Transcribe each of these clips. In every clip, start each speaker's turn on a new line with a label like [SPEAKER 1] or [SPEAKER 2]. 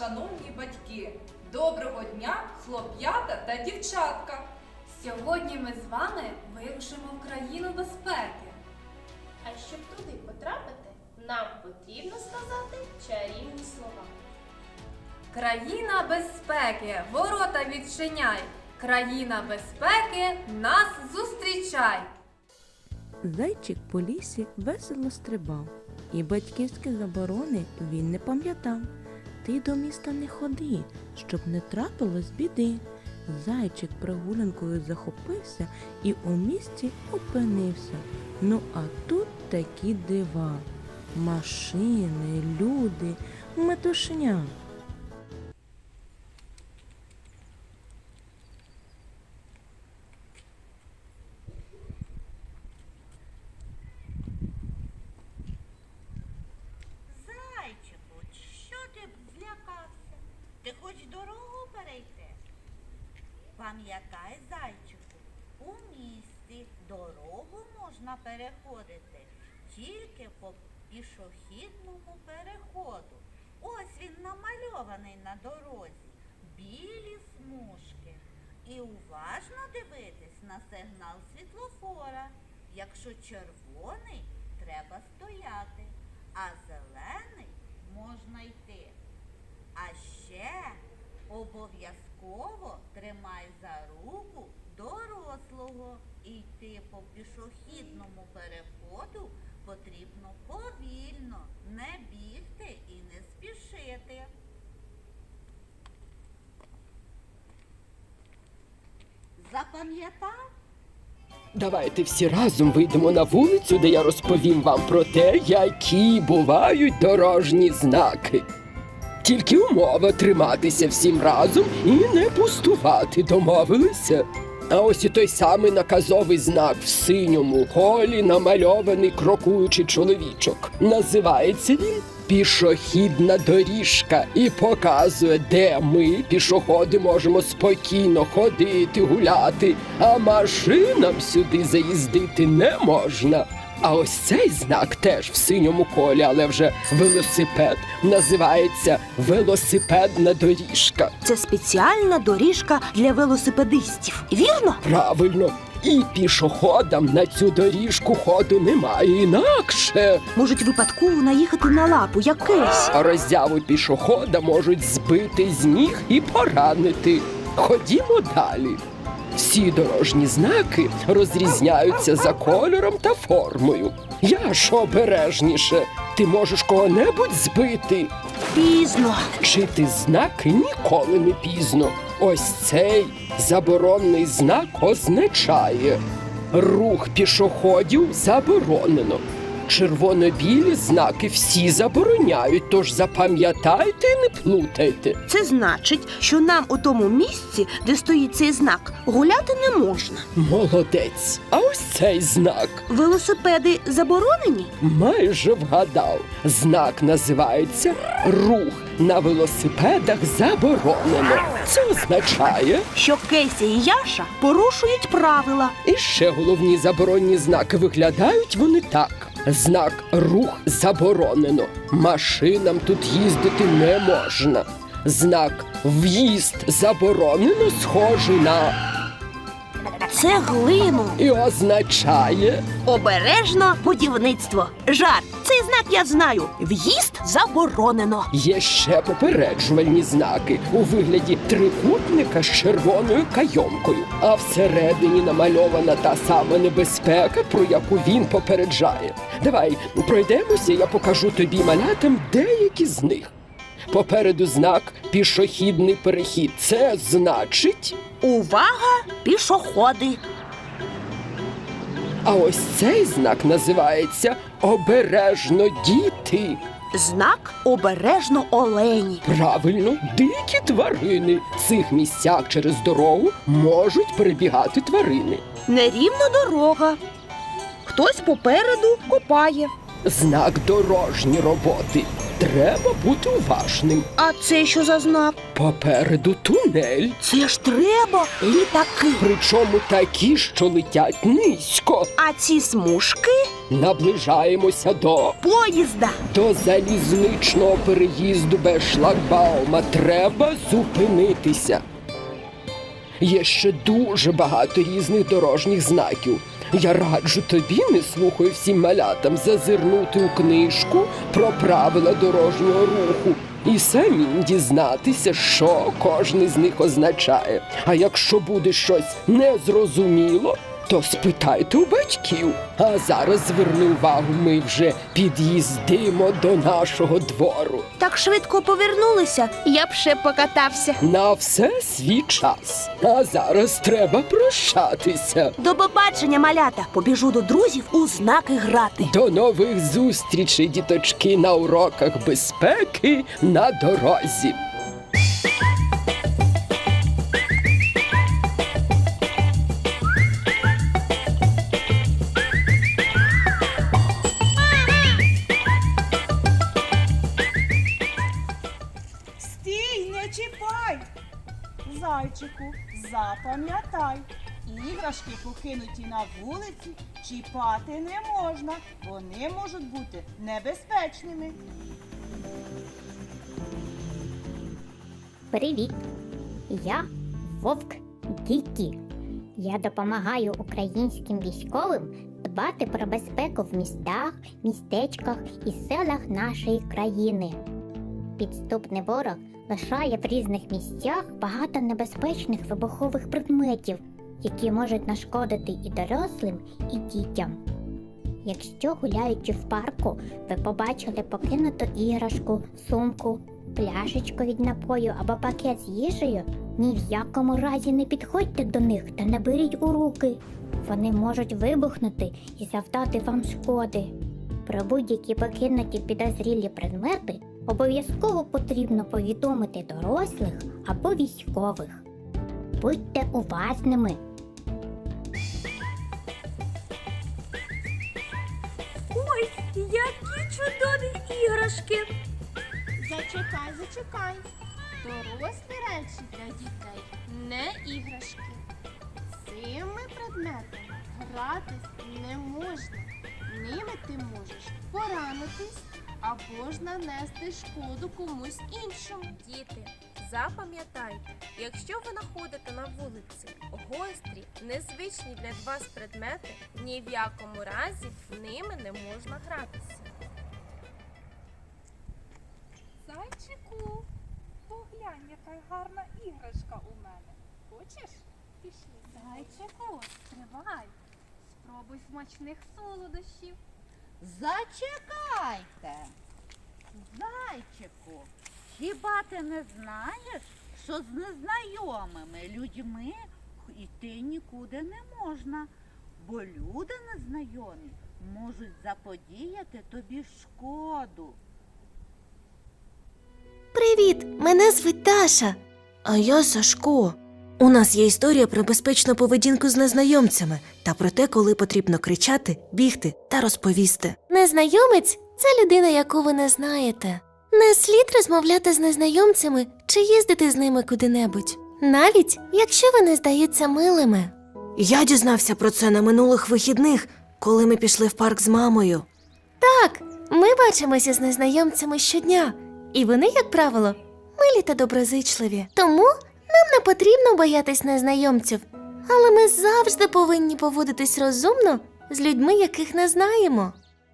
[SPEAKER 1] шановні батьки! Доброго дня, хлоп'ята та дівчатка!
[SPEAKER 2] Сьогодні ми з вами вирушимо в країну безпеки.
[SPEAKER 3] А щоб туди потрапити, нам потрібно сказати чарівні слова.
[SPEAKER 2] Країна безпеки, ворота відчиняй. Країна безпеки, нас зустрічай.
[SPEAKER 4] Зайчик по лісі весело стрибав, і батьківські заборони він не пам'ятав. Ти до міста не ходи, щоб не трапилось біди. Зайчик прогулянкою захопився і у місті опинився. Ну а тут такі дива. Машини, люди, метушня.
[SPEAKER 5] Зайчику, що ти злякався? Ти хоч дорогу перейти? Пам'ятай, зайчику, у місті дорогу можна переходити тільки по пішохідному переходу. Ось він намальований на дорозі. Білі смужки. І уважно дивитись на сигнал світлофора. Якщо червоний, треба стояти, а зелений можна йти. А ще обов'язково тримай за руку дорослого. І йти по пішохідному переходу потрібно повільно, не бігти і не спішити. Запам'ятав?
[SPEAKER 6] Давайте всі разом вийдемо на вулицю, де я розповім вам про те, які бувають дорожні знаки. Тільки умова триматися всім разом і не пустувати, домовилися? А ось і той самий наказовий знак в синьому колі намальований крокуючий чоловічок. Називається він «Пішохідна доріжка» і показує, де ми, пішоходи, можемо спокійно ходити, гуляти, а машинам сюди заїздити не можна. А ось цей знак теж в синьому колі, але вже велосипед, називається «Велосипедна доріжка».
[SPEAKER 7] Це спеціальна доріжка для велосипедистів, вірно?
[SPEAKER 6] Правильно. І пішоходам на цю доріжку ходу немає інакше.
[SPEAKER 7] Можуть випадково наїхати на лапу, як кейс.
[SPEAKER 6] А роззяву пішохода можуть збити з ніг і поранити. Ходімо далі. Всі дорожні знаки розрізняються за кольором та формою. Я ж обережніше. Ти можеш кого-небудь збити.
[SPEAKER 7] Пізно.
[SPEAKER 6] Вчити знаки ніколи не пізно. Ось цей заборонний знак означає: рух пішоходів заборонено. Червоно-білі знаки всі забороняють, тож запам'ятайте і не плутайте.
[SPEAKER 7] Це значить, що нам у тому місці, де стоїть цей знак, гуляти не можна.
[SPEAKER 6] Молодець. А ось цей знак.
[SPEAKER 7] Велосипеди заборонені?
[SPEAKER 6] Майже вгадав. Знак називається «Рух на велосипедах заборонено». Це означає...
[SPEAKER 7] Що Кейсі і Яша порушують правила.
[SPEAKER 6] І ще головні заборонні знаки виглядають вони так. Знак «Рух заборонено». Машинам тут їздити не можна. Знак «В'їзд заборонено» схожий на...
[SPEAKER 7] Цеглину.
[SPEAKER 6] І означає...
[SPEAKER 7] Обережно будівництво. Жарт. Цей знак я знаю. В'їзд заборонено.
[SPEAKER 6] Є ще попереджувальні знаки у вигляді трикутника з червоною кайомкою. А всередині намальована та сама небезпека, про яку він попереджає. Давай пройдемося, я покажу тобі, малятам, деякі з них. Попереду знак «Пішохідний перехід». Це значить...
[SPEAKER 7] Увага, пішоходи!
[SPEAKER 6] А ось цей знак називається «Обережно, діти».
[SPEAKER 7] Знак «Обережно олені».
[SPEAKER 6] Правильно, дикі тварини. В цих місцях через дорогу можуть перебігати тварини.
[SPEAKER 7] Нерівна дорога. Хтось попереду копає.
[SPEAKER 6] Знак «Дорожні роботи». Треба бути уважним.
[SPEAKER 7] А це що за знак?
[SPEAKER 6] Попереду тунель.
[SPEAKER 7] Це ж треба літаки.
[SPEAKER 6] Причому такі, що летять низько.
[SPEAKER 7] А ці смужки
[SPEAKER 6] Наближаємося
[SPEAKER 7] Поїзда.
[SPEAKER 6] до залізничного переїзду без шлагбаума. Треба зупинитися. Є ще дуже багато різних дорожніх знаків. Я раджу тобі, не слухаю всім малятам, зазирнути у книжку про правила дорожнього руху і самим дізнатися, що кожен з них означає. А якщо буде щось незрозуміло, то спитайте у батьків. А зараз зверни увагу, ми вже під'їздимо до нашого двору.
[SPEAKER 7] Так швидко повернулися, я б ще покатався.
[SPEAKER 6] На все свій час. А зараз треба прощатися.
[SPEAKER 7] До побачення, малята. Побіжу до друзів у знаки грати.
[SPEAKER 6] До нових зустрічей, діточки, на уроках безпеки на дорозі.
[SPEAKER 8] Стій, не чіпай! Зайчику, запам'ятай, іграшки, покинуті на вулиці, чіпати не можна. Вони можуть бути небезпечними.
[SPEAKER 9] Привіт! Я Вовк Дікі. Я допомагаю українським військовим дбати про безпеку в містах, містечках і селах нашої країни. Підступний ворог лишає в різних місцях багато небезпечних вибухових предметів, які можуть нашкодити і дорослим, і дітям. Якщо, гуляючи в парку, ви побачили покинуту іграшку, сумку, пляшечку від напою або пакет з їжею, ні в якому разі не підходьте до них та не беріть у руки. Вони можуть вибухнути і завдати вам шкоди. Про будь-які покинуті підозрілі предмети обов'язково потрібно повідомити дорослих або військових. Будьте уважними.
[SPEAKER 2] Ой, які чудові іграшки!
[SPEAKER 3] Зачекай. Дорослі речі для дітей не іграшки. Цими предметами гратись не можна. Ними ти можеш поранитись або ж нанести шкоду комусь іншому.
[SPEAKER 10] Діти, запам'ятайте, якщо ви знаходите на вулиці гострі, незвичні для вас предмети, ні в якому разі ними не можна гратися.
[SPEAKER 1] Зайчику, поглянь, яка гарна іграшка у мене. Хочеш? Пішли.
[SPEAKER 2] Зайчику, стривай. Спробуй смачних солодощів.
[SPEAKER 5] Зачекайте. Зайчику, хіба ти не знаєш, що з незнайомими людьми йти нікуди не можна, бо люди незнайомі можуть заподіяти тобі шкоду.
[SPEAKER 11] Привіт! Мене звуть Даша. А я Сашко. У нас є історія про безпечну поведінку з незнайомцями та про те, коли потрібно кричати, бігти та розповісти. Незнайомець – це людина, яку ви не знаєте. Не слід розмовляти з незнайомцями чи їздити з ними куди-небудь. Навіть, якщо вони здаються милими. Я дізнався про це на минулих вихідних, коли ми пішли в парк з мамою. Так, ми бачимося з незнайомцями щодня. І вони, як правило, милі та доброзичливі. Тому нам не потрібно боятись незнайомців. Але ми завжди повинні поводитись розумно з людьми, яких не знаємо.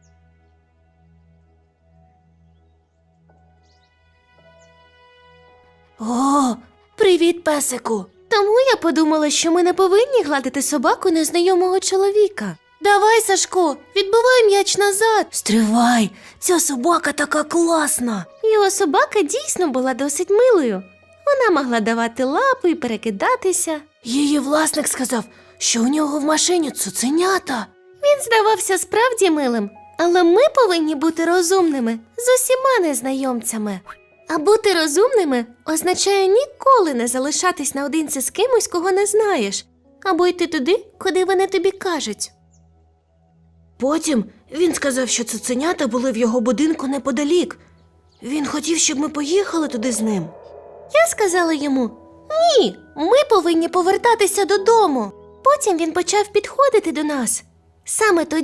[SPEAKER 11] О, привіт, песику! Тому я подумала, що ми не повинні гладити собаку незнайомого чоловіка. Давай, Сашко, відбивай м'яч назад. Стривай, ця собака така класна. Його собака дійсно була досить милою. Вона могла давати лапи і перекидатися. Її власник сказав, що у нього в машині цуценята. Він здавався справді милим, але ми повинні бути розумними з усіма незнайомцями. А бути розумними означає ніколи не залишатись наодинці з кимось, кого не знаєш, або йти туди, куди вони тобі кажуть. Потім він сказав, що цуценята були в його будинку неподалік. Він хотів, щоб ми поїхали туди з ним. Я сказала йому: «Ні, ми повинні повертатися додому». Потім він почав підходити до нас. Саме тоді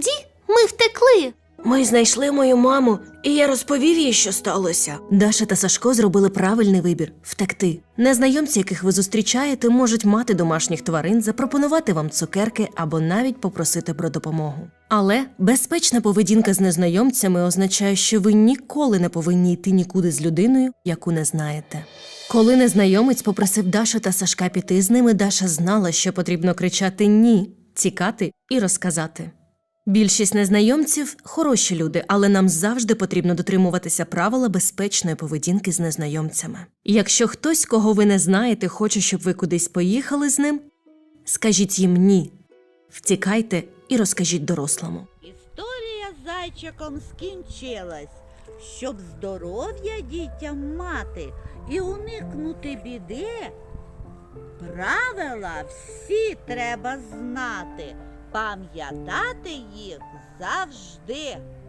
[SPEAKER 11] Ми втекли.
[SPEAKER 12] Ми знайшли мою маму, і я розповів їй, що сталося.
[SPEAKER 11] Даша та Сашко зробили правильний вибір – втекти. Незнайомці, яких ви зустрічаєте, можуть мати домашніх тварин, запропонувати вам цукерки або навіть попросити про допомогу. Але безпечна поведінка з незнайомцями означає, що ви ніколи не повинні йти нікуди з людиною, яку не знаєте. Коли незнайомець попросив Дашу та Сашка піти з ними, Даша знала, що потрібно кричати «ні», тікати і розказати. Більшість незнайомців – хороші люди, але нам завжди потрібно дотримуватися правила безпечної поведінки з незнайомцями. І якщо хтось, кого ви не знаєте, хоче, щоб ви кудись поїхали з ним, скажіть їм «ні». Втікайте і розкажіть дорослому.
[SPEAKER 5] Історія з зайчиком скінчилась. Щоб здоров'я дітям мати і уникнути біди, правила всі треба знати, пам'ятати їх завжди.